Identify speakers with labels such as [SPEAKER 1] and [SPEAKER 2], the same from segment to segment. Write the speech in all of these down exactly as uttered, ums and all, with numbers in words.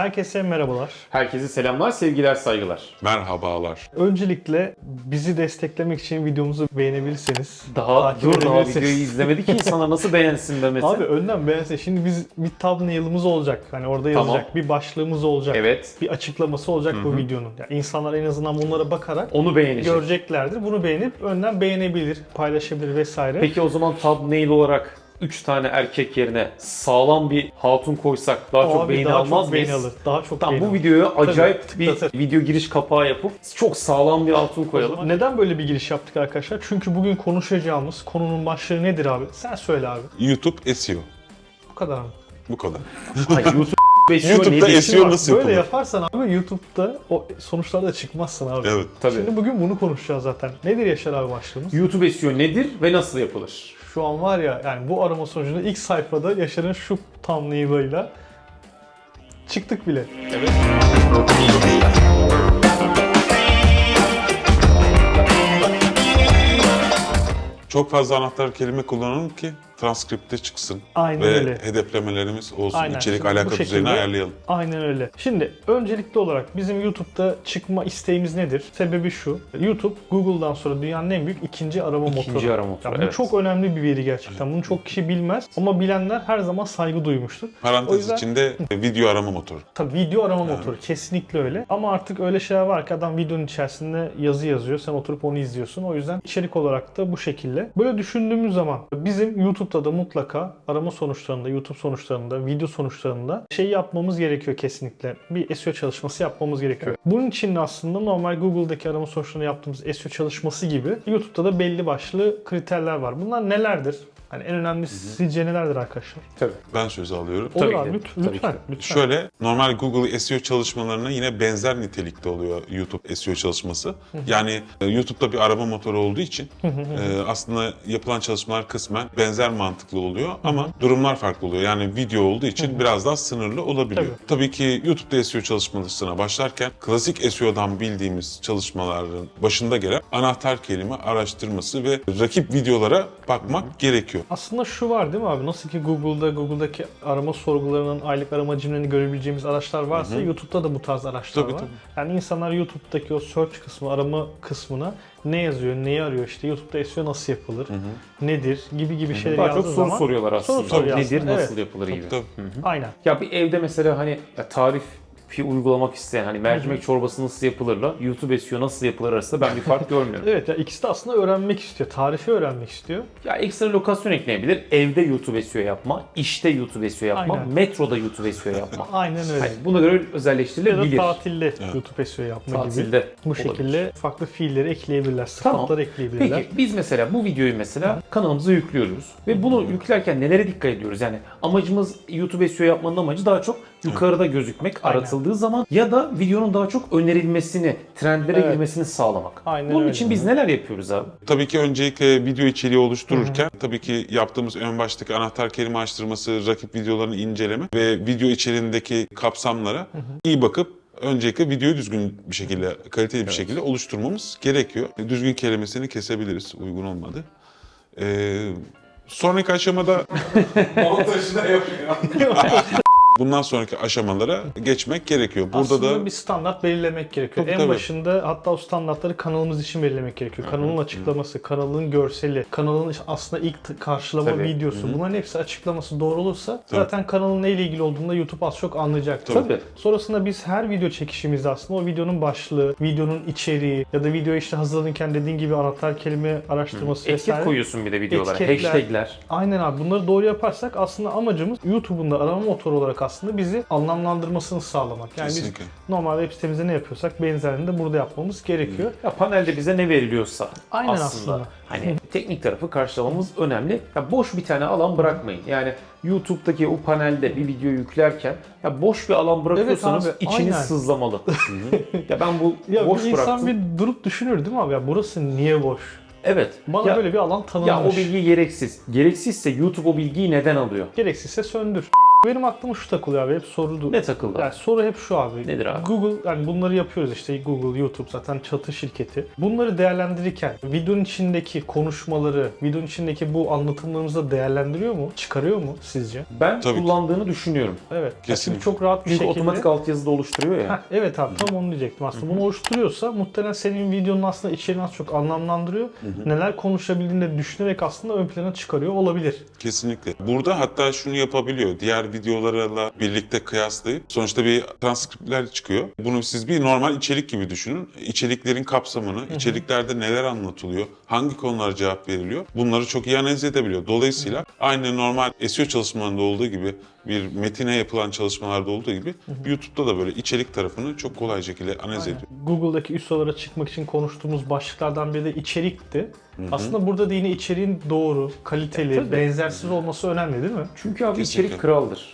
[SPEAKER 1] Herkese merhabalar.
[SPEAKER 2] Herkese selamlar, sevgiler, saygılar.
[SPEAKER 3] Merhabalar.
[SPEAKER 1] Öncelikle bizi desteklemek için videomuzu beğenebilirseniz.
[SPEAKER 2] Daha
[SPEAKER 1] takip
[SPEAKER 2] dur daha
[SPEAKER 1] edebilirsiniz.
[SPEAKER 2] videoyu izlemedi ki insanlar nasıl beğensin demesi.
[SPEAKER 1] Abi önden beğense. Şimdi biz bir thumbnail'ımız olacak. Hani orada yazacak.
[SPEAKER 2] Tamam.
[SPEAKER 1] Bir başlığımız olacak.
[SPEAKER 2] Evet.
[SPEAKER 1] Bir açıklaması olacak
[SPEAKER 2] Hı-hı.
[SPEAKER 1] bu videonun. Yani insanlar en azından bunlara bakarak
[SPEAKER 2] Onu beğenecek.
[SPEAKER 1] göreceklerdir. Bunu beğenip önden beğenebilir, paylaşabilir vesaire.
[SPEAKER 2] Peki o zaman thumbnail olarak üç tane erkek yerine sağlam bir hatun koysak daha
[SPEAKER 1] O
[SPEAKER 2] çok
[SPEAKER 1] abi
[SPEAKER 2] beğeni
[SPEAKER 1] daha
[SPEAKER 2] almaz
[SPEAKER 1] çok
[SPEAKER 2] mıyız?
[SPEAKER 1] beğeni alır. Daha çok
[SPEAKER 2] Tamam,
[SPEAKER 1] beğeni
[SPEAKER 2] bu
[SPEAKER 1] alır.
[SPEAKER 2] videoya acayip
[SPEAKER 1] Tabii,
[SPEAKER 2] bir
[SPEAKER 1] tıklatır.
[SPEAKER 2] video giriş kapağı yapıp çok sağlam bir hatun koyalım.
[SPEAKER 1] Neden böyle bir giriş yaptık arkadaşlar? Çünkü bugün konuşacağımız konunun başlığı nedir abi? Sen söyle abi.
[SPEAKER 3] YouTube S E O.
[SPEAKER 1] Bu kadar mı?
[SPEAKER 3] Bu kadar.
[SPEAKER 2] Hayır, YouTube S E O
[SPEAKER 3] YouTube'da
[SPEAKER 2] nedir?
[SPEAKER 3] S E O nasıl
[SPEAKER 1] Böyle
[SPEAKER 3] yapılır?
[SPEAKER 1] yaparsan abi YouTube'da o sonuçlarda çıkmazsın abi.
[SPEAKER 3] Evet.
[SPEAKER 2] Tabii.
[SPEAKER 1] Şimdi bugün bunu konuşacağız zaten. Nedir Yaşar abi başlığımız?
[SPEAKER 2] YouTube S E O nedir ve nasıl yapılır?
[SPEAKER 1] Şu an var ya, yani bu arama sonucunda ilk sayfada Yaşar'ın şu thumbnail'ıyla çıktık bile.
[SPEAKER 2] Evet.
[SPEAKER 3] Çok fazla anahtar kelime kullanalım ki transkripte çıksın.
[SPEAKER 1] Aynen
[SPEAKER 3] Ve
[SPEAKER 1] öyle.
[SPEAKER 3] hedeflemelerimiz olsun.
[SPEAKER 1] Aynen.
[SPEAKER 3] İçerik
[SPEAKER 1] Şimdi bu
[SPEAKER 3] alaka
[SPEAKER 1] şekilde-
[SPEAKER 3] düzeyini ayarlayalım.
[SPEAKER 1] Aynen öyle. Şimdi öncelikli olarak bizim YouTube'da çıkma isteğimiz nedir? Sebebi şu. YouTube Google'dan sonra dünyanın en büyük ikinci arama
[SPEAKER 2] İkinci
[SPEAKER 1] motoru.
[SPEAKER 2] arama motoru,
[SPEAKER 1] Ya bu
[SPEAKER 2] evet.
[SPEAKER 1] çok önemli bir veri gerçekten. Bunu çok kişi bilmez ama bilenler her zaman saygı duymuştur. O
[SPEAKER 3] Parantez
[SPEAKER 1] yüzden-
[SPEAKER 3] içinde video arama motoru.
[SPEAKER 1] Tabii video arama motoru kesinlikle öyle. Ama artık öyle şeyler var ki adam videonun içerisinde yazı yazıyor. Sen oturup onu izliyorsun. O yüzden içerik olarak da bu şekilde. Böyle düşündüğümüz zaman bizim YouTube'da da mutlaka arama sonuçlarında, YouTube sonuçlarında, video sonuçlarında şey yapmamız gerekiyor kesinlikle. Bir S E O çalışması yapmamız gerekiyor. Bunun için de aslında normal Google'daki arama sonuçlarında yaptığımız S E O çalışması gibi YouTube'da da belli başlı kriterler var. Bunlar nelerdir? Hani en önemlisi sizce nelerdir arkadaşlar?
[SPEAKER 2] Tabii.
[SPEAKER 3] Ben söz alıyorum.
[SPEAKER 1] Olur
[SPEAKER 2] Tabii
[SPEAKER 1] abi
[SPEAKER 2] ki.
[SPEAKER 1] lütfen.
[SPEAKER 2] Tabii
[SPEAKER 1] Lütfen.
[SPEAKER 2] ki.
[SPEAKER 1] lütfen.
[SPEAKER 3] Şöyle, normal Google S E O çalışmalarına yine benzer nitelikte oluyor YouTube S E O çalışması. Yani e, YouTube'da bir arama motoru olduğu için e, aslında yapılan çalışmalar kısmen benzer mantıklı oluyor ama durumlar farklı oluyor. Yani video olduğu için biraz daha sınırlı olabiliyor.
[SPEAKER 1] Tabii.
[SPEAKER 3] Tabii ki YouTube'da S E O çalışmasına başlarken klasik S E O'dan bildiğimiz çalışmaların başında gelen anahtar kelime araştırması ve rakip videolara bakmak gerekiyor.
[SPEAKER 1] Aslında şu var değil mi abi? Nasıl ki Google'da, Google'daki arama sorgularının aylık arama cimlerini görebileceğimiz araçlar varsa YouTube'da da bu tarz araçlar
[SPEAKER 3] Tabii,
[SPEAKER 1] var.
[SPEAKER 3] tabii.
[SPEAKER 1] Yani insanlar YouTube'daki o search kısmı, arama kısmına ne yazıyor, neyi arıyor, işte YouTube'da S E O nasıl yapılır, nedir gibi gibi şeyler
[SPEAKER 2] Daha
[SPEAKER 1] yazdığı
[SPEAKER 2] çok soru
[SPEAKER 1] zaman
[SPEAKER 2] soruyorlar aslında.
[SPEAKER 1] soru soruyor
[SPEAKER 2] Nedir,
[SPEAKER 1] aslında,
[SPEAKER 2] nasıl
[SPEAKER 1] evet.
[SPEAKER 2] yapılır gibi.
[SPEAKER 3] Tabii.
[SPEAKER 1] Aynen.
[SPEAKER 2] Ya bir evde mesela hani ya tarif bir uygulamak isteyen hani mercimek çorbası nasıl yapılırla YouTube S E O nasıl yapılır arasında ben bir fark görmüyorum.
[SPEAKER 1] Evet ya, ikisi de aslında öğrenmek istiyor, tarifi öğrenmek istiyor.
[SPEAKER 2] Ya ekstra lokasyon ekleyebilir. Evde YouTube S E O yapma, işte YouTube S E O yapma,
[SPEAKER 1] Aynen.
[SPEAKER 2] metroda YouTube S E O yapma.
[SPEAKER 1] Aynen öyle.
[SPEAKER 2] Hani buna göre
[SPEAKER 1] Ya da
[SPEAKER 2] özelleştirilebilir.
[SPEAKER 1] tatilde YouTube S E O yapma gibi.
[SPEAKER 2] Tatilde
[SPEAKER 1] Bu
[SPEAKER 2] olabilir.
[SPEAKER 1] şekilde farklı fiilleri ekleyebilirler,
[SPEAKER 2] Tamam.
[SPEAKER 1] sıfatları ekleyebilirler.
[SPEAKER 2] Peki biz mesela bu videoyu mesela kanalımıza yüklüyoruz. Ve bunu yüklerken nelere dikkat ediyoruz? Yani amacımız YouTube S E O yapmanın amacı daha çok yukarıda gözükmek
[SPEAKER 1] Aynen.
[SPEAKER 2] aratıldığı zaman ya da videonun daha çok önerilmesini, trendlere
[SPEAKER 1] Evet.
[SPEAKER 2] girmesini sağlamak.
[SPEAKER 1] Aynen
[SPEAKER 2] Bunun
[SPEAKER 1] öyle.
[SPEAKER 2] için biz neler yapıyoruz abi?
[SPEAKER 3] Tabii ki öncelikle video içeriği oluştururken tabii ki yaptığımız ön baştaki anahtar kelime araştırması, rakip videolarını inceleme ve video içeriğindeki kapsamlara iyi bakıp öncelikle videoyu düzgün bir şekilde, kaliteli bir şekilde oluşturmamız gerekiyor. Düzgün kelimesini kesebiliriz uygun olmadı. Ee, sonraki aşamada montajı da yapıyor. Bundan sonraki aşamalara geçmek gerekiyor. Burada
[SPEAKER 1] Aslında
[SPEAKER 3] da
[SPEAKER 1] bir standart belirlemek gerekiyor.
[SPEAKER 3] Tabii,
[SPEAKER 1] en
[SPEAKER 3] tabii.
[SPEAKER 1] başında hatta o standartları kanalımız için belirlemek gerekiyor. Kanalın açıklaması, kanalın görseli, kanalın aslında ilk t- karşılama
[SPEAKER 2] Tabii.
[SPEAKER 1] videosu. Bunların hepsi açıklaması doğru olursa zaten kanalın neyle ilgili olduğunu da YouTube az çok anlayacaktır.
[SPEAKER 2] Tabii.
[SPEAKER 1] Sonrasında biz her video çekişimizde aslında o videonun başlığı, videonun içeriği ya da videoyu işte hazırlanırken dediğin gibi anahtar kelime araştırması
[SPEAKER 2] Etiket
[SPEAKER 1] vesaire.
[SPEAKER 2] koyuyorsun bir de videolara.
[SPEAKER 1] Etiketler.
[SPEAKER 2] Hashtagler.
[SPEAKER 1] Aynen abi, bunları doğru yaparsak aslında amacımız YouTube'un da arama motoru olarak aslında bizi anlamlandırmasını sağlamak. Yani
[SPEAKER 3] Kesinlikle.
[SPEAKER 1] biz normalde web sitemizde ne yapıyorsak benzerini de burada yapmamız gerekiyor.
[SPEAKER 2] Ya panelde bize ne veriliyorsa
[SPEAKER 1] Aynen
[SPEAKER 2] aslında,
[SPEAKER 1] aslında.
[SPEAKER 2] hani teknik tarafı karşılamamız önemli. Ya boş bir tane alan bırakmayın. Yani YouTube'daki o panelde bir video yüklerken ya boş bir alan bırakıyorsanız
[SPEAKER 1] Evet abi,
[SPEAKER 2] içiniz
[SPEAKER 1] aynen.
[SPEAKER 2] sızlamalı. ya ben bu
[SPEAKER 1] Ya
[SPEAKER 2] boş
[SPEAKER 1] bir insan
[SPEAKER 2] bıraktım.
[SPEAKER 1] bir durup düşünür değil mi abi? Ya burası niye boş?
[SPEAKER 2] Evet.
[SPEAKER 1] Bana
[SPEAKER 2] ya,
[SPEAKER 1] böyle bir alan tanınmış.
[SPEAKER 2] ya o bilgi gereksiz. Gereksizse YouTube o bilgiyi neden alıyor?
[SPEAKER 1] Gereksizse söndür. Benim aklıma şu takılıyor abi, hep soruldu.
[SPEAKER 2] Ne takıldı?
[SPEAKER 1] Yani soru hep şu abi.
[SPEAKER 2] Nedir abi?
[SPEAKER 1] Google, yani bunları yapıyoruz işte, Google, YouTube zaten çatı şirketi. Bunları değerlendirirken videonun içindeki konuşmaları, videonun içindeki bu anlatımlarımızı değerlendiriyor mu? Çıkarıyor mu sizce?
[SPEAKER 2] Ben
[SPEAKER 3] Tabii ki.
[SPEAKER 2] kullandığını düşünüyorum.
[SPEAKER 1] Evet.
[SPEAKER 3] Kesinlikle.
[SPEAKER 1] Çünkü çok rahat bir
[SPEAKER 2] Çünkü
[SPEAKER 1] şekilde.
[SPEAKER 2] otomatik altyazı da oluşturuyor ya.
[SPEAKER 1] Heh, evet abi, tam onu diyecektim aslında. Bunu oluşturuyorsa muhtemelen senin videonun aslında içeriğini az çok anlamlandırıyor. Neler konuşabildiğini de düşünerek aslında ön plana çıkarıyor olabilir.
[SPEAKER 3] Kesinlikle. Burada hatta şunu yapabiliyor. Diğer videolarla birlikte kıyaslayıp sonuçta bir transkriptler çıkıyor. Bunu siz bir normal içerik gibi düşünün. İçeriklerin kapsamını, içeriklerde neler anlatılıyor, hangi konulara cevap veriliyor, bunları çok iyi analiz edebiliyor. Dolayısıyla aynı normal S E O çalışmalarında olduğu gibi, bir metine yapılan çalışmalarda olduğu gibi YouTube'da da böyle içerik tarafını çok kolay şekilde analiz ediyor.
[SPEAKER 1] Google'daki üst sıralara çıkmak için konuştuğumuz başlıklardan biri de içerikti. Aslında burada da yine içeriğin doğru, kaliteli,
[SPEAKER 2] Tabii.
[SPEAKER 1] benzersiz olması önemli değil mi?
[SPEAKER 2] Çünkü abi
[SPEAKER 3] Kesinlikle.
[SPEAKER 2] içerik kraldır.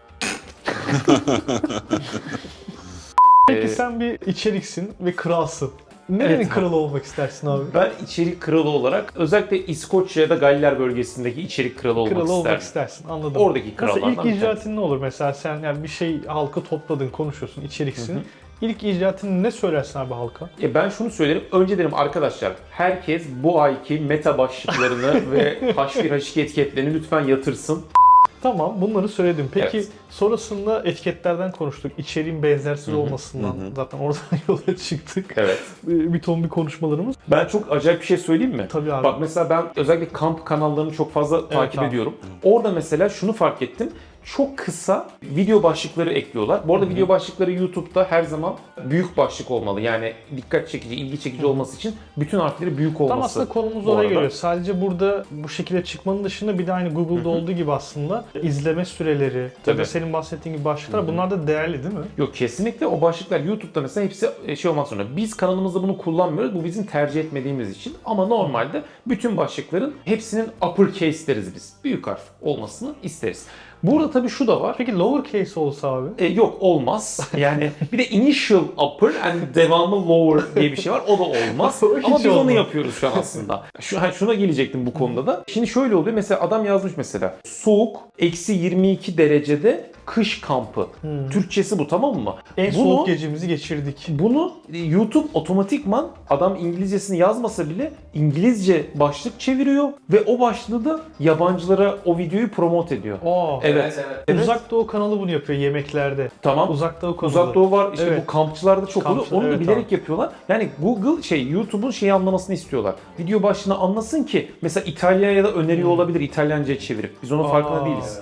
[SPEAKER 1] Peki
[SPEAKER 2] Ee,
[SPEAKER 1] sen bir içeriksin ve kralsın. Nerenin
[SPEAKER 2] Evet abi.
[SPEAKER 1] kralı olmak istersin abi?
[SPEAKER 2] Ben içerik kralı olarak özellikle İskoçya ya da Galler bölgesindeki içerik kralı olmak
[SPEAKER 1] Kralı olmak
[SPEAKER 2] isterdim.
[SPEAKER 1] istersin, anladım.
[SPEAKER 2] Oradaki
[SPEAKER 1] Nasıl
[SPEAKER 2] krallardan
[SPEAKER 1] ilk
[SPEAKER 2] bir tanesi.
[SPEAKER 1] icraatin ne olur mesela, sen yani bir şey halkı topladın, konuşuyorsun, içeriksin. İlk icraatini ne söylersin abi halka?
[SPEAKER 2] E ben şunu söylerim. Önce derim arkadaşlar, herkes bu ayki meta başlıklarını ve H bir H iki etiketlerini lütfen yatırsın.
[SPEAKER 1] Tamam, bunları söyledim. Peki
[SPEAKER 2] Evet.
[SPEAKER 1] sonrasında etiketlerden konuştuk. İçeriğin benzersiz olmasından zaten oradan yola çıktık.
[SPEAKER 2] Evet.
[SPEAKER 1] Bir ton bir konuşmalarımız.
[SPEAKER 2] Ben çok acayip bir şey söyleyeyim mi?
[SPEAKER 1] Tabii abi.
[SPEAKER 2] Bak mesela ben özellikle kamp kanallarını çok fazla takip
[SPEAKER 1] abi.
[SPEAKER 2] ediyorum. Orada mesela şunu fark ettim. Çok kısa video başlıkları ekliyorlar. Bu arada video başlıkları YouTube'da her zaman büyük başlık olmalı. Yani dikkat çekici, ilgi çekici olması için bütün harfleri büyük olması.
[SPEAKER 1] Tam aslında konumuz
[SPEAKER 2] bu
[SPEAKER 1] oraya
[SPEAKER 2] arada.
[SPEAKER 1] geliyor. Sadece burada bu şekilde çıkmanın dışında bir de aynı Google'da olduğu gibi aslında izleme süreleri ya
[SPEAKER 2] Tabii.
[SPEAKER 1] da senin bahsettiğin gibi başlıklar, bunlar da değerli değil mi?
[SPEAKER 2] Yok, kesinlikle o başlıklar YouTube'da mesela hepsi şey olmak zorunda. Biz kanalımızda bunu kullanmıyoruz. Bu bizim tercih etmediğimiz için. Ama normalde bütün başlıkların hepsinin uppercase deriz biz. Büyük harf olmasını isteriz. Burada tabii şu da var.
[SPEAKER 1] Peki lowercase olsa abi?
[SPEAKER 2] E, yok, olmaz. Yani bir de initial upper and devamlı lower diye bir şey var. O da olmaz.
[SPEAKER 1] O hiç
[SPEAKER 2] Ama biz onu
[SPEAKER 1] olmaz.
[SPEAKER 2] yapıyoruz şu an aslında. Şu, ha, şuna gelecektim bu konuda da. Şimdi şöyle oluyor. Mesela adam yazmış mesela. Soğuk, eksi yirmi iki derecede kış kampı. Türkçesi bu, tamam mı?
[SPEAKER 1] En
[SPEAKER 2] Bunu-
[SPEAKER 1] soğuk gecemizi geçirdik.
[SPEAKER 2] Bunu YouTube otomatikman, adam İngilizcesini yazmasa bile İngilizce başlık çeviriyor ve o başlığı da yabancılara o videoyu promote ediyor.
[SPEAKER 1] Aa,
[SPEAKER 2] Evet. Evet.
[SPEAKER 1] Uzak Doğu kanalı bunu yapıyor yemeklerde.
[SPEAKER 2] Tamam.
[SPEAKER 1] Uzak Doğu kanalı.
[SPEAKER 2] Uzak Doğu var, işte
[SPEAKER 1] Evet.
[SPEAKER 2] bu kampçılarda çok oluyor.
[SPEAKER 1] Kampçı-
[SPEAKER 2] Onu da
[SPEAKER 1] evet
[SPEAKER 2] bilerek
[SPEAKER 1] abi.
[SPEAKER 2] yapıyorlar. Yani Google şey YouTube'un şeyi anlamasını istiyorlar. Video başlığını anlasın ki mesela İtalya'ya da öneriyor olabilir İtalyanca'ya çevirip. Biz onun farkında
[SPEAKER 1] Aa.
[SPEAKER 2] değiliz.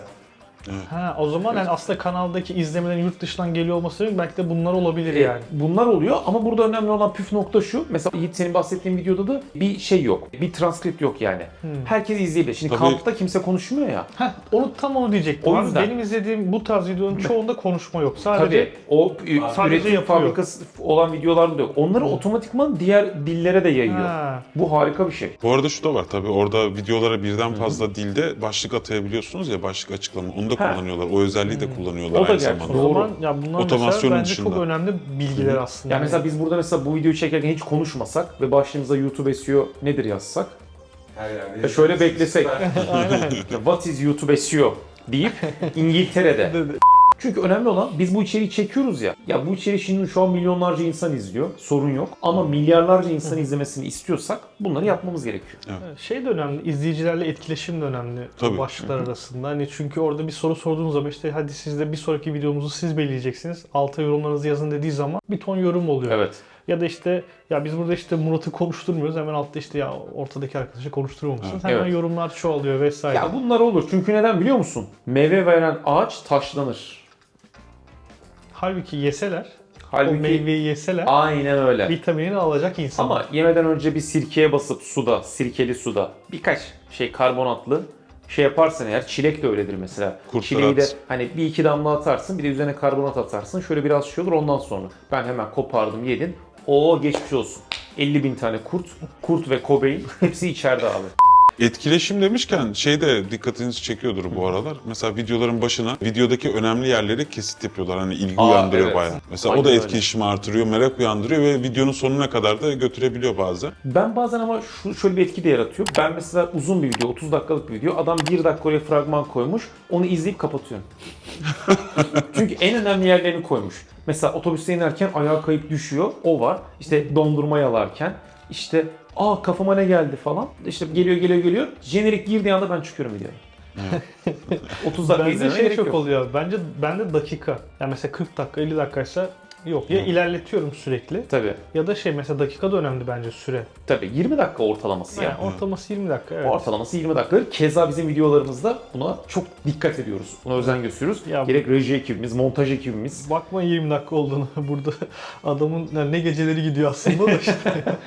[SPEAKER 1] Ha, o zaman yani aslında kanaldaki izlemelerin yurt dışından geliyor olması belki de bunlar olabilir
[SPEAKER 2] E,
[SPEAKER 1] yani.
[SPEAKER 2] Bunlar oluyor ama burada önemli olan püf nokta şu. Mesela Yiğit, senin bahsettiğin videoda da bir şey yok. Bir transkript yok yani. Herkes izleyebilir. Şimdi
[SPEAKER 3] Tabii.
[SPEAKER 2] kampta kimse konuşmuyor ya.
[SPEAKER 1] Heh, onu tam onu diyecektim.
[SPEAKER 2] O
[SPEAKER 1] abi.
[SPEAKER 2] yüzden.
[SPEAKER 1] Benim izlediğim bu tarz videoların çoğunda konuşma yok. Sadece
[SPEAKER 2] Tabii o
[SPEAKER 1] Sadece
[SPEAKER 2] üretim
[SPEAKER 1] yapıyor.
[SPEAKER 2] fabrikası olan videolarda da yok. Onları otomatikman diğer dillere de yayıyor.
[SPEAKER 1] Ha.
[SPEAKER 2] Bu harika bir şey.
[SPEAKER 3] Bu arada şu da var tabii, orada videolara birden fazla dilde başlık atayabiliyorsunuz ya, başlık açıklama. Onu da
[SPEAKER 2] Ha.
[SPEAKER 3] kullanıyorlar. O özelliği de kullanıyorlar
[SPEAKER 2] O da
[SPEAKER 3] aynı
[SPEAKER 2] gerçi.
[SPEAKER 3] zamanda.
[SPEAKER 1] O
[SPEAKER 2] Doğru.
[SPEAKER 1] zaman ya bunlar mesela
[SPEAKER 3] Otomasyonun
[SPEAKER 1] bence
[SPEAKER 3] dışında.
[SPEAKER 1] çok önemli bilgiler aslında.
[SPEAKER 2] Yani mesela biz burada mesela bu videoyu çekerken hiç konuşmasak ve başlığımıza YouTube S E O nedir yazsak?
[SPEAKER 4] Her yerde.
[SPEAKER 2] Ya şöyle beklesek.
[SPEAKER 1] Aynen.
[SPEAKER 2] What is YouTube S E O deyip İngiltere'de. Çünkü önemli olan, biz bu içeriği çekiyoruz ya. Ya bu içeriği şimdi şu an milyonlarca insan izliyor. Sorun yok. Ama milyarlarca insan izlemesini istiyorsak bunları yapmamız gerekiyor.
[SPEAKER 1] Şey de önemli, izleyicilerle etkileşim de önemli
[SPEAKER 3] Tabii.
[SPEAKER 1] bu başlıklar arasında. Hani çünkü orada bir soru sorduğunuz zaman işte hadi siz de bir sonraki videomuzu siz belirleyeceksiniz. Alta yorumlarınızı yazın dediği zaman bir ton yorum oluyor.
[SPEAKER 2] Evet.
[SPEAKER 1] Ya da işte ya biz burada işte Murat'ı konuşturmuyoruz. Hemen altta işte ya ortadaki arkadaşı konuşturmamışsınız. Hemen
[SPEAKER 2] Evet.
[SPEAKER 1] yorumlar çoğalıyor vesaire.
[SPEAKER 2] Ya bunlar olur. Çünkü neden biliyor musun? Meyve veren ağaç taşlanır.
[SPEAKER 1] Halbuki yeseler, o
[SPEAKER 2] Halbuki
[SPEAKER 1] meyveyi yeseler
[SPEAKER 2] aynen öyle.
[SPEAKER 1] vitaminini alacak insan.
[SPEAKER 2] Ama yemeden önce bir sirkeye basıp suda, sirkeli suda birkaç şey karbonatlı şey yaparsan eğer, çilek de öyledir mesela.
[SPEAKER 3] Kurtlar
[SPEAKER 2] Çileği de
[SPEAKER 3] at.
[SPEAKER 2] hani bir iki damla atarsın, bir de üzerine karbonat atarsın. Şöyle biraz şey olur, ondan sonra ben hemen kopardım, yedin. Oo, geçmiş olsun. elli bin tane kurt, kurt ve Cobain hepsi içeride abi.
[SPEAKER 3] Etkileşim demişken şey de dikkatinizi çekiyordur bu aralar. Mesela videoların başına videodaki önemli yerleri kesit yapıyorlar. Hani ilgi
[SPEAKER 2] Aa,
[SPEAKER 3] uyandırıyor
[SPEAKER 2] evet.
[SPEAKER 3] bayağı. Mesela
[SPEAKER 2] Aynen
[SPEAKER 3] o da
[SPEAKER 2] öyle.
[SPEAKER 3] etkileşimi artırıyor, merak uyandırıyor ve videonun sonuna kadar da götürebiliyor bazen.
[SPEAKER 2] Ben bazen ama şu şöyle bir etki de yaratıyor. Ben mesela uzun bir video, otuz dakikalık bir video, adam bir dakika oraya fragman koymuş, onu izleyip kapatıyorum. Çünkü en önemli yerlerini koymuş. Mesela otobüste inerken ayağa kayıp düşüyor, o var. İşte dondurma yalarken, işte aa kafama ne geldi falan. İşte geliyor geliyor geliyor. Jenerik girdiği anda ben çıkıyorum videoya. otuz dakika
[SPEAKER 1] Bende
[SPEAKER 2] izlemeye
[SPEAKER 1] şey
[SPEAKER 2] gerek
[SPEAKER 1] çok
[SPEAKER 2] yok.
[SPEAKER 1] oluyor. Bence bende dakika. Yani mesela kırk dakika, elli dakikaysa yok. Ya ilerletiyorum sürekli
[SPEAKER 2] Tabii.
[SPEAKER 1] ya da şey mesela dakika da önemli bence süre.
[SPEAKER 2] Tabii yirmi dakika ortalaması
[SPEAKER 1] Yani
[SPEAKER 2] ya.
[SPEAKER 1] ortalaması yirmi dakika evet.
[SPEAKER 2] Ortalaması yirmi dakika. Keza bizim videolarımızda buna çok dikkat ediyoruz. Buna özen gösteriyoruz.
[SPEAKER 1] Ya bu-
[SPEAKER 2] Gerek reji ekibimiz, montaj ekibimiz.
[SPEAKER 1] Bakma yirmi dakika olduğunu burada adamın yani ne geceleri gidiyor aslında da işte.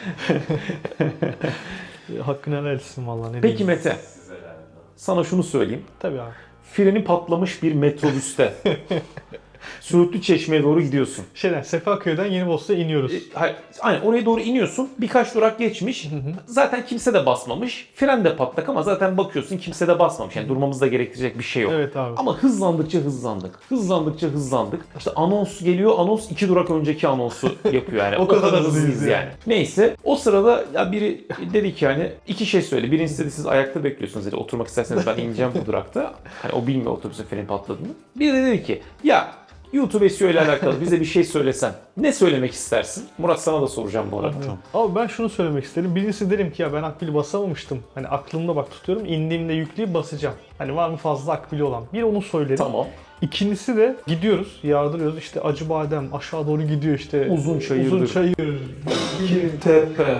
[SPEAKER 1] Hakkını helal etsin valla ne
[SPEAKER 2] Peki
[SPEAKER 1] diyeyim.
[SPEAKER 2] Mete, sana şunu söyleyeyim.
[SPEAKER 1] Tabii abi.
[SPEAKER 2] Freni patlamış bir metrobüste Söğütlü Çeşme'ye doğru gidiyorsun.
[SPEAKER 1] Şeyden Sefaköy'den Yenibosna'ya iniyoruz.
[SPEAKER 2] E, hayır, aynen oraya doğru iniyorsun. Birkaç durak geçmiş. Zaten kimse de basmamış. Fren de patlak ama zaten bakıyorsun kimse de basmamış. Yani durmamızı da gerektirecek bir şey yok.
[SPEAKER 1] Evet abi.
[SPEAKER 2] Ama hızlandıkça hızlandık. Hızlandıkça hızlandık. İşte anons geliyor. Anons iki durak önceki anonsu yapıyor yani.
[SPEAKER 1] O kadar hızlıyız
[SPEAKER 2] hızlıyız yani.
[SPEAKER 1] yani.
[SPEAKER 2] Neyse o sırada ya biri dedi ki hani iki şey söyle. Birincisi dedi siz ayakta bekliyorsunuz dedi. Oturmak isterseniz ben ineceğim bu durakta. Hani o bilmiyor otobüsün freni patladığını. Biri de dedi ki ya YouTube S E O ile alakalı bize bir şey söylesen ne söylemek istersin? Murat sana da soracağım bu arada.
[SPEAKER 1] Abi ben şunu söylemek isterim. Birincisi derim ki ya ben akbili basamamıştım. Hani aklımda bak tutuyorum. İndiğimde yükleyip basacağım. Hani var mı fazla akbili olan? Bir onu söylerim.
[SPEAKER 2] Tamam.
[SPEAKER 1] İkincisi de gidiyoruz, yardırıyoruz. İşte Acıbadem aşağı doğru gidiyor işte.
[SPEAKER 2] Uzun çayırdır.
[SPEAKER 1] Uzun çayır.
[SPEAKER 2] Tepe.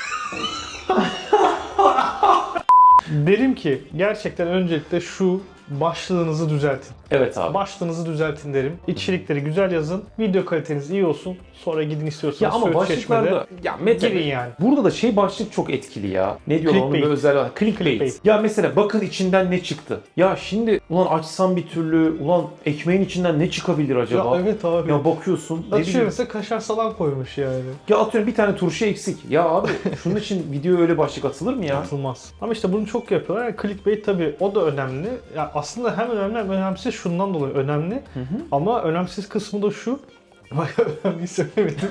[SPEAKER 1] Derim ki gerçekten öncelikle şu başlığınızı düzeltin.
[SPEAKER 2] Evet abi.
[SPEAKER 1] Başlığınızı düzeltin derim. İçerikleri güzel yazın. Video kaliteniz iyi olsun. Sonra gidin istiyorsanız
[SPEAKER 2] Ya ama
[SPEAKER 1] Söğüt
[SPEAKER 2] başlıklarda
[SPEAKER 1] Çeşme'de
[SPEAKER 2] ya Mete
[SPEAKER 1] girin yani.
[SPEAKER 2] burada da şey başlık çok etkili ya. Ne diyorlar onun bir
[SPEAKER 1] Clickbait.
[SPEAKER 2] özel var. Clickbait.
[SPEAKER 1] Clickbait.
[SPEAKER 2] Ya mesela bakın içinden ne çıktı. Ya şimdi ulan açsam bir türlü ulan ekmeğin içinden ne çıkabilir acaba?
[SPEAKER 1] Ya evet abi.
[SPEAKER 2] Ya bakıyorsun ne
[SPEAKER 1] Açıyor
[SPEAKER 2] bileyim.
[SPEAKER 1] mesela kaşar salam koymuş yani.
[SPEAKER 2] Ya atıyorum bir tane turşu eksik. Ya abi şunun için video öyle başlık atılır mı ya?
[SPEAKER 1] Atılmaz. Ama işte bunu çok yapıyorlar. Yani clickbait tabii o da önemli. Ya aslında hem önemli hem önemsiz şundan dolayı önemli. Ama önemsiz kısmı da şu. Bayağı önemli söylemedim.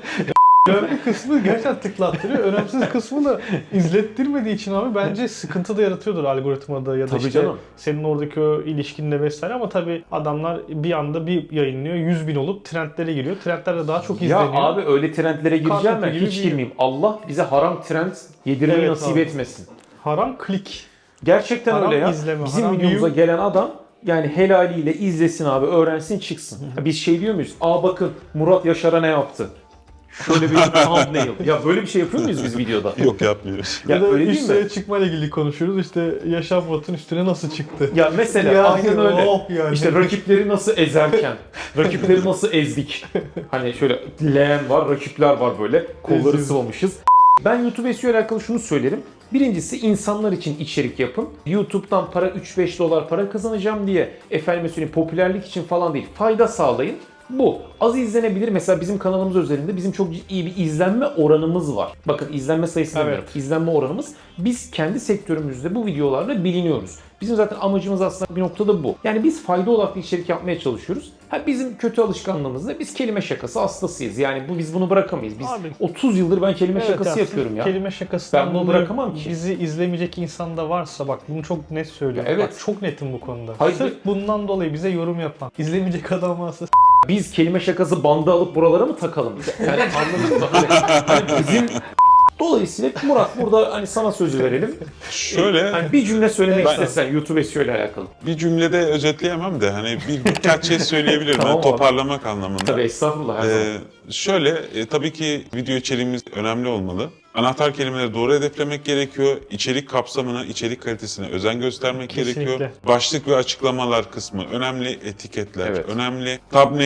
[SPEAKER 1] Önemli kısmı gerçekten tıklattırıyor. Önemsiz kısmı da izlettirmediği için abi bence sıkıntı da yaratıyordur algoritmada ya da
[SPEAKER 2] Tabii
[SPEAKER 1] işte
[SPEAKER 2] canım.
[SPEAKER 1] senin oradaki o ilişkinle vesaire ama tabii adamlar bir anda bir yayınlıyor yüz bin olup trendlere giriyor. Trendler de daha çok
[SPEAKER 2] Ya
[SPEAKER 1] izleniyor.
[SPEAKER 2] abi öyle trendlere gireceğim
[SPEAKER 1] Kartopu
[SPEAKER 2] ben
[SPEAKER 1] gibi
[SPEAKER 2] hiç
[SPEAKER 1] bir-
[SPEAKER 2] girmeyeyim. Allah bize haram trend yedirmeyi
[SPEAKER 1] Evet
[SPEAKER 2] nasip
[SPEAKER 1] abi.
[SPEAKER 2] etmesin.
[SPEAKER 1] Haram klik.
[SPEAKER 2] Gerçekten
[SPEAKER 1] Haram
[SPEAKER 2] öyle ya.
[SPEAKER 1] izleme,
[SPEAKER 2] Bizim
[SPEAKER 1] haram
[SPEAKER 2] videomuza
[SPEAKER 1] view.
[SPEAKER 2] gelen adam yani helaliyle izlesin abi, öğrensin çıksın. Ya biz şey diyor muyuz? Aa bakın Murat Yaşar'a ne yaptı? Şöyle bir thumbnail. Ya böyle bir şey yapıyor muyuz biz videoda?
[SPEAKER 3] Yok yapmıyoruz.
[SPEAKER 2] Ya
[SPEAKER 1] Ya da
[SPEAKER 2] öyle değil
[SPEAKER 1] üstüne
[SPEAKER 2] mi?
[SPEAKER 1] çıkmayla ilgili konuşuyoruz. İşte Yaşar Murat'ın üstüne nasıl çıktı?
[SPEAKER 2] Ya mesela
[SPEAKER 1] Ya
[SPEAKER 2] aynen öyle.
[SPEAKER 1] oh yani.
[SPEAKER 2] İşte rakipleri nasıl ezerken, rakipleri nasıl ezdik. Hani şöyle leğen var, rakipler var böyle. Kolları
[SPEAKER 1] Eziyoruz.
[SPEAKER 2] sıvamışız. Ben YouTube S E O ile alakalı şunu söylerim. Birincisi insanlar için içerik yapın. YouTube'dan para üç beş dolar para kazanacağım diye efendime söyleyeyim popülerlik için falan değil. Fayda sağlayın. Bu. Az izlenebilir. Mesela bizim kanalımız özelinde bizim çok iyi bir izlenme oranımız var. Bakın izlenme sayısı
[SPEAKER 1] Evet.
[SPEAKER 2] demiyorum. İzlenme oranımız. Biz kendi sektörümüzde bu videolarla biliniyoruz. Bizim zaten amacımız aslında bir noktada bu. Yani biz fayda odaklı içerik yapmaya çalışıyoruz. Ha bizim kötü alışkanlığımız da biz kelime şakası hastasıyız. Yani bu biz bunu bırakamayız. Biz
[SPEAKER 1] Abi.
[SPEAKER 2] otuz yıldır ben kelime
[SPEAKER 1] Evet
[SPEAKER 2] şakası
[SPEAKER 1] ya, sırf
[SPEAKER 2] yapıyorum ya.
[SPEAKER 1] Kelime şakasından
[SPEAKER 2] Ben bunu
[SPEAKER 1] dolayı
[SPEAKER 2] bırakamam ki.
[SPEAKER 1] bizi izlemeyecek insan da varsa bak bunu çok net söylüyorum.
[SPEAKER 2] Ya evet.
[SPEAKER 1] Bak çok netim bu konuda.
[SPEAKER 2] Hayır.
[SPEAKER 1] Sırf bundan dolayı bize yorum yapan, izlemeyecek adam varsa
[SPEAKER 2] Biz kelime şakası bandı alıp buralara mı takalım? Yani anladın mı? Hani, hani bizim Dolayısıyla Murat burada hani sana sözü verelim.
[SPEAKER 3] Şöyle
[SPEAKER 2] Hani bir cümle söylemek
[SPEAKER 3] Ben-
[SPEAKER 2] istesen YouTube S E O ile alakalı.
[SPEAKER 3] bir cümlede özetleyemem de hani bir birkaç şey söyleyebilirim.
[SPEAKER 2] Tamam
[SPEAKER 3] yani
[SPEAKER 2] abi.
[SPEAKER 3] toparlamak anlamında.
[SPEAKER 2] Tabii estağfurullah her zaman.
[SPEAKER 3] Ee, şöyle e, tabii ki video içeriğimiz önemli olmalı. Anahtar kelimeleri doğru hedeflemek gerekiyor. İçerik kapsamına, içerik kalitesine özen göstermek
[SPEAKER 1] Kesinlikle.
[SPEAKER 3] gerekiyor. Başlık ve açıklamalar kısmı önemli. Etiketler
[SPEAKER 2] Evet.
[SPEAKER 3] önemli. Thumbnail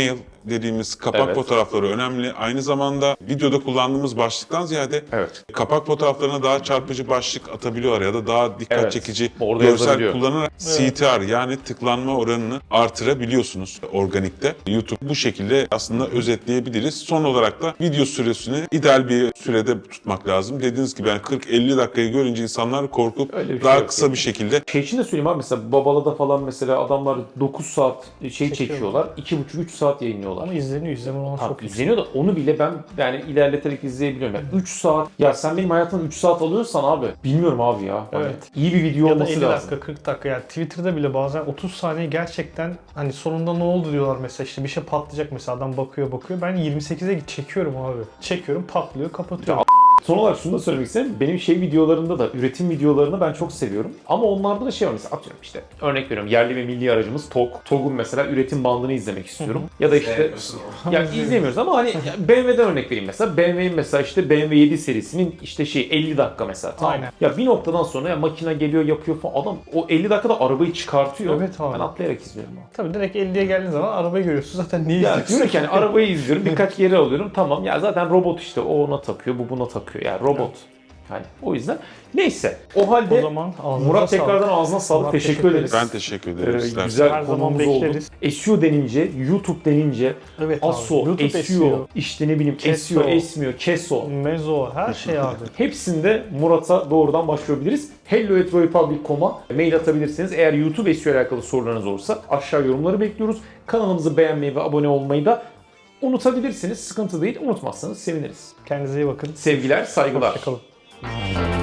[SPEAKER 3] dediğimiz kapak
[SPEAKER 2] Evet.
[SPEAKER 3] fotoğrafları önemli. Aynı zamanda videoda kullandığımız başlıktan ziyade
[SPEAKER 2] Evet.
[SPEAKER 3] kapak fotoğraflarına daha çarpıcı başlık atabiliyor ya da daha dikkat
[SPEAKER 2] Evet.
[SPEAKER 3] çekici
[SPEAKER 2] Orada
[SPEAKER 3] görsel
[SPEAKER 2] yazabiliyor.
[SPEAKER 3] kullanarak C T R yani tıklanma oranını artırabiliyorsunuz organikte. YouTube bu şekilde aslında özetleyebiliriz. Son olarak da video süresini ideal bir sürede tutmak lazım. Dediğiniz gibi yani kırk elli dakikayı görünce insanlar korkup
[SPEAKER 2] Öyle bir şey
[SPEAKER 3] daha
[SPEAKER 2] yok
[SPEAKER 3] kısa
[SPEAKER 2] yani.
[SPEAKER 3] bir şekilde
[SPEAKER 2] Şey için de söyleyeyim abi, mesela Babala'da falan mesela adamlar dokuz saat şey
[SPEAKER 1] Çekiyorlar.
[SPEAKER 2] çekiyorlar. iki buçuk üç saat yayınlıyorlar.
[SPEAKER 1] Ama izleniyor, izleme oranı
[SPEAKER 2] Ha,
[SPEAKER 1] çok yüksek.
[SPEAKER 2] izleniyor da onu bile ben yani ilerleterek izleyebiliyorum. Yani üç saat, ya sen benim hayatımda üç saat alıyorsan abi bilmiyorum abi ya. Hani
[SPEAKER 1] Evet.
[SPEAKER 2] iyi bir video
[SPEAKER 1] Ya da
[SPEAKER 2] olması
[SPEAKER 1] elli
[SPEAKER 2] lazım.
[SPEAKER 1] dakika, kırk dakika, yani Twitter'da bile bazen otuz saniye gerçekten hani sonunda ne oldu diyorlar mesela, işte bir şey patlayacak mesela, adam bakıyor bakıyor, ben yirmi sekize çekiyorum abi. Çekiyorum, patlıyor, kapatıyorum.
[SPEAKER 2] Son olarak şunu da söylemek istedim. Benim şey videolarında da, üretim videolarını ben çok seviyorum. Ama onlarda da şey var, mesela atıyorum işte örnek veriyorum, yerli ve milli aracımız T O G. T O G'un mesela üretim bandını izlemek istiyorum. Ya da işte ya izlemiyoruz ama hani B M W'den örnek vereyim mesela. B M W'nin mesela işte B M W yedi serisinin işte şey elli dakika mesela. Tamam.
[SPEAKER 1] Aynen.
[SPEAKER 2] Ya bir noktadan sonra ya makine geliyor yapıyor falan. Adam o elli dakikada arabayı çıkartıyor.
[SPEAKER 1] Evet abi.
[SPEAKER 2] Ben atlayarak izliyorum abi.
[SPEAKER 1] Tabii direkt elliye geldiğin zaman arabayı görüyorsun zaten, niye
[SPEAKER 2] Ya
[SPEAKER 1] izliyorsun?
[SPEAKER 2] diyorum ki hani arabayı izliyorum, birkaç geri alıyorum. Tamam ya zaten robot işte, o ona takıyor, bu buna takıyor. Yani robot. Yani o yüzden neyse. O halde
[SPEAKER 1] O zaman ağzınıza
[SPEAKER 2] Murat
[SPEAKER 1] sağlık.
[SPEAKER 2] tekrardan ağzına sağlık.
[SPEAKER 1] Murat,
[SPEAKER 2] teşekkür,
[SPEAKER 1] teşekkür
[SPEAKER 2] ederiz.
[SPEAKER 3] ben teşekkür ederim.
[SPEAKER 2] Ee,
[SPEAKER 3] İsterseniz.
[SPEAKER 2] güzel
[SPEAKER 1] Her zaman
[SPEAKER 2] konumuz oldu.
[SPEAKER 1] bekleriz.
[SPEAKER 2] S E O denince, YouTube denince,
[SPEAKER 1] Evet abi.
[SPEAKER 2] ASO,
[SPEAKER 1] YouTube
[SPEAKER 2] S E O,
[SPEAKER 1] S E O,
[SPEAKER 2] işte ne bileyim
[SPEAKER 1] Keso.
[SPEAKER 2] S E O, esmiyor, Keso.
[SPEAKER 1] Mezo, her şey abi.
[SPEAKER 2] Hepsinde Murat'a doğrudan başvurabiliriz. hello at roypublic nokta com'a mail atabilirsiniz. Eğer YouTube S E O ile alakalı sorularınız olursa aşağı yorumları bekliyoruz. Kanalımızı beğenmeyi ve abone olmayı da unutabilirsiniz. Sıkıntı değil. Unutmazsanız seviniriz.
[SPEAKER 1] Kendinize iyi bakın.
[SPEAKER 2] Sevgiler, saygılar.
[SPEAKER 1] Hoşçakalın.